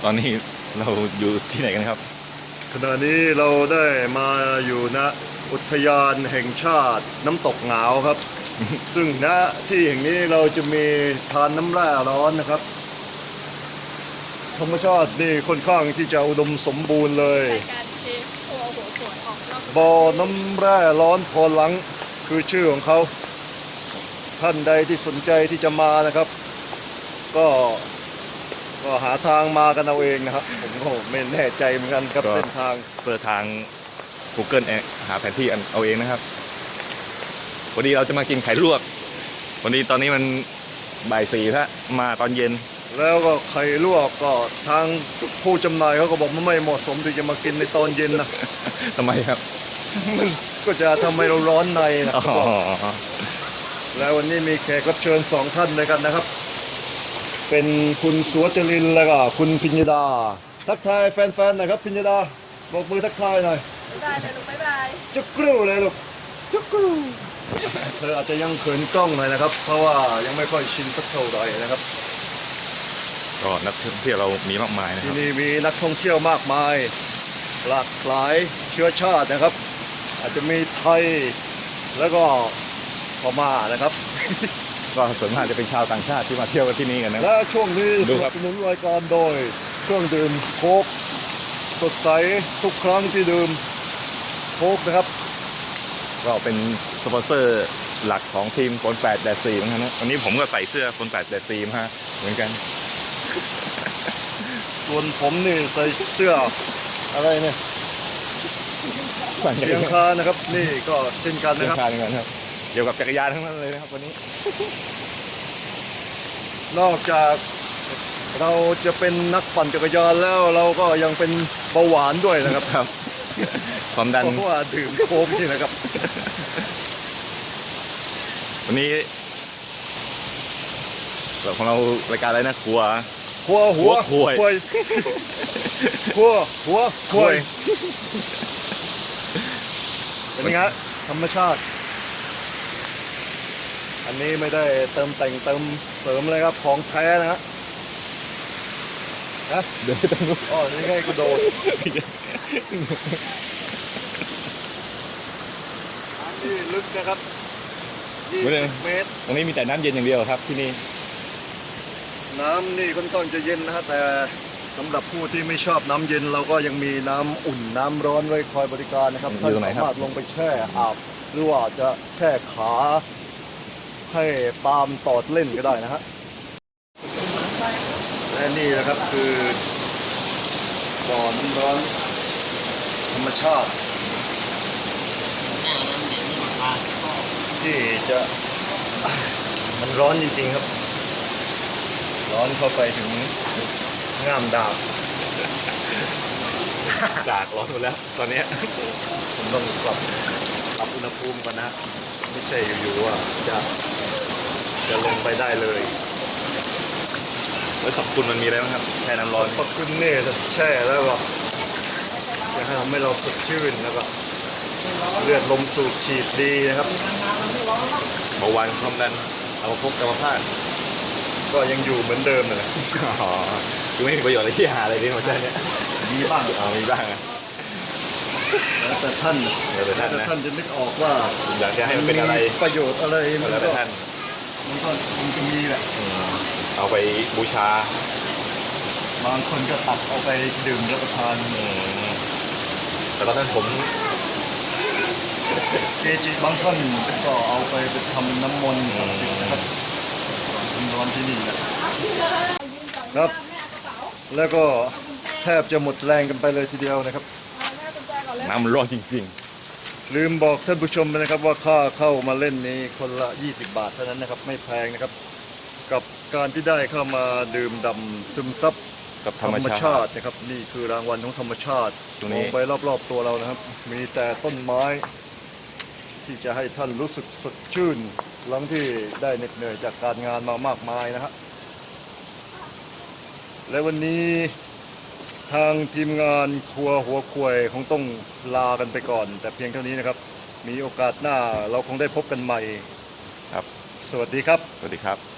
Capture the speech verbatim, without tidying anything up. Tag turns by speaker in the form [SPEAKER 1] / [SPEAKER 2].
[SPEAKER 1] ตอนนี้เราอยู่ที่ไหนกันครับ
[SPEAKER 2] ขณะนี้เราได้มาอยู่ณอุทยานแห่งชาติน้ำตกหงาวครับ ซึ่งณที่แห่งนี้เราจะมีทานน้ำแร่ร้อนนะครับธรรมชาตินี่ค่อนข้างที่จะอุดมสมบูรณ์เลย
[SPEAKER 3] รายการเชฟครัวหัวสวนออกนอก
[SPEAKER 2] บ่อน้ำแร่ร้อนพอหลังคือชื่อของเขาท่านใดที่สนใจที่จะมานะครับ ก็ก็หาทางมากันเอาเองนะครับผมก็ไม่แน่ใจเหมือนกันครับเส้นทาง
[SPEAKER 1] เสิร์ชทาง Google เองหาแผนที่เอาเองนะครับวันนี้เราจะมากินไข่ลวกวันนี้ตอนนี้มันบ่ายสี่แล้วมาตอนเย็น
[SPEAKER 2] แล้วก็ไข่ลวกก็ทางผู้จำหน่ายเขาก็บอกมันไม่เหมาะสมที่จะมากินในตอนเย็นนะ
[SPEAKER 1] ทำไมครับ
[SPEAKER 2] มันก็จะทำให้เราร้อนในนะแล้ววันนี้มีแขกรับเชิญสองท่านด้วยกันนะครับเป็นคุณสุวจรินทร์และก็คุณพิญญดาทักทายแฟนๆหน่อยครับพิญญดาบอกมือทักทายหน่อย
[SPEAKER 3] บ๊ายบายเลยลูกบ๊ายบาย
[SPEAKER 2] จุกกรูเลยลูกจุกกรูเธออาจจะยังเขินกล้องหน่อยนะครับเพราะว่ายังไม่ค่อยชินสักเท่าไหร่นะครับ
[SPEAKER 1] ก็นักท่องเที่ยวเรามีมากมายนะครับ
[SPEAKER 2] ที่นี่มีนักท่องเที่ยวมากมายหลากหลายเชื้อชาตินะครับอาจจะมีไทยแล้วก็พม่านะครับ
[SPEAKER 1] ก็ส่วนมากจะเป็นชาวต่างชาติที่มาเที่ยวกันที่นี่กันนะ
[SPEAKER 2] และช่วงนี้สนับสนุนรายการโดยเครื่องดื่มโค้กสดใสทุกครั้งที่ดื่มโค้กนะครับ
[SPEAKER 1] ก็เป็นสปอนเซอร์หลักของทีมคนแปดแดดสี่เหมือนกันนะวันนี้ผมก็ใส่เสื้อคนแปดแดดสี่มาฮะเหมือนกัน
[SPEAKER 2] ส่วนผมนี่ใส่เสื้ออะไรเนี่ยเชียงคานนะครับนี่ก็เช่นกันนะครับ
[SPEAKER 1] เชียงคานเหมือนกันครับเกี่ยวกับจักรยานทั้งนั้นเลยนะครับวันนี้
[SPEAKER 2] นอกจากเราจะเป็นนักปั่นจักรยานแล้วเราก็ยังเป็นเบาหวานด้วยนะครับ
[SPEAKER 1] ครับความดัน
[SPEAKER 2] เพราะว่าดื่มโค้กนี่นะครับ
[SPEAKER 1] วันนี้ของเรารายการอะไรนะครัว
[SPEAKER 2] ครัวหัว
[SPEAKER 1] ควย
[SPEAKER 2] ครัวหัวควยเป็นไงธรรมชาติอันนี้ไม่ได้เติมแต่งเติมเสริมเลยครับของแท้นะฮะนะ
[SPEAKER 1] เดี๋ยวไปตรงนู้น
[SPEAKER 2] อ๋อนี่ไงกูโดนอันนี้ลึกนะครับยี่สิบเมตร
[SPEAKER 1] ตรงนี้มีแต่น้ำเย็นอย่างเดียวครับที่นี่
[SPEAKER 2] น้ำนี่ค่อนข้างจะเย็นนะฮะแต่สำหรับผู้ที่ไม่ชอบน้ำเย็นเราก็ยังมีน้ำอุ่นน้ำร้อนไว้คอยบริการนะครับท่านสามารถลงไปแช่อาบหรือว่าจะแช่ขาให้ปาล์มตอดเล่นก็ได้นะฮะและนี่นะครับคือบ่อน้ำร้อนธรรมชาติที่จะมันร้อนจริงๆครับร้อนเข้าไปถึงง่ามดาบ
[SPEAKER 1] ดากร้อนหมดแล้วตอนนี้
[SPEAKER 2] ผมต้องปรับปรับอุณหภูมิก่อนนะไม่ใช่อยู่ๆว่าจะจะลงไปได้เลย
[SPEAKER 1] แล้วสรรพคุณมันมีอะไรบ้างครับแช่น้ำร้อน
[SPEAKER 2] สรรพคุณเนี่ยจะแช่แล้วก็จะทำให้เราสดชื่นแล้วก็เลือดลมสูบฉีดดีนะครับ
[SPEAKER 1] เบาหวานความดันอัมพฤกษ์อัมพาต
[SPEAKER 2] ก็ยังอยู่เหมือนเดิมเลย
[SPEAKER 1] อ๋อคือไม่มีประโยชน์อะไรที่หาอะไรดีมาใช่เนี่ย
[SPEAKER 2] มีบ้าง
[SPEAKER 1] อ๋อมีบ้าง
[SPEAKER 2] แล้วแต่ท่าน
[SPEAKER 1] แล้วแต่ท่านนะ
[SPEAKER 2] ท่านจะนึกออกว่า
[SPEAKER 1] อยากจะให้มันเป็นอะไร
[SPEAKER 2] ประโยชน์อะไร
[SPEAKER 1] มันก็ท่าน
[SPEAKER 2] มันก็คงจะมีแหละ
[SPEAKER 1] เอาไปบูชา
[SPEAKER 2] บางคนก็ตักเอาไปดื่มรับประทาน
[SPEAKER 1] แต่ตอนนั้นผม
[SPEAKER 2] เกจิบางท่านก็เอาไปไปทำน้ำมนต์นะครับนอนที่นี่นะครับแล้วก็แทบจะหมดแรงกันไปเลยทีเดียวนะครับ
[SPEAKER 1] น้ำมันร้อนจริง
[SPEAKER 2] ๆลืมบอกท่านผู้ชมนะครับว่าค่าเข้ามาเล่นนี้คนละยี่สิบบาทเท่านั้นนะครับไม่แพงนะครับกับการที่ได้เข้ามาดื่มด่ำซึมซับ
[SPEAKER 1] กับธ
[SPEAKER 2] ร
[SPEAKER 1] รรมชาติ
[SPEAKER 2] นะครับนี่คือรางวัลของธรรมชาติมองไปรอบๆตัวเรานะครับมีแต่ต้นไม้ที่จะให้ท่านรู้สึกสดชื่นหลังที่ได้เหน็ดเหนื่อยจากการงานมามากมายนะฮะและวันนี้ทางทีมงานครัวหัวควยคงต้องลากันไปก่อนแต่เพียงเท่านี้นะครับมีโอกาสหน้าเราคงได้พบกันใหม่
[SPEAKER 1] ครับ
[SPEAKER 2] สวัสดีครับ
[SPEAKER 1] สวัสดีครับ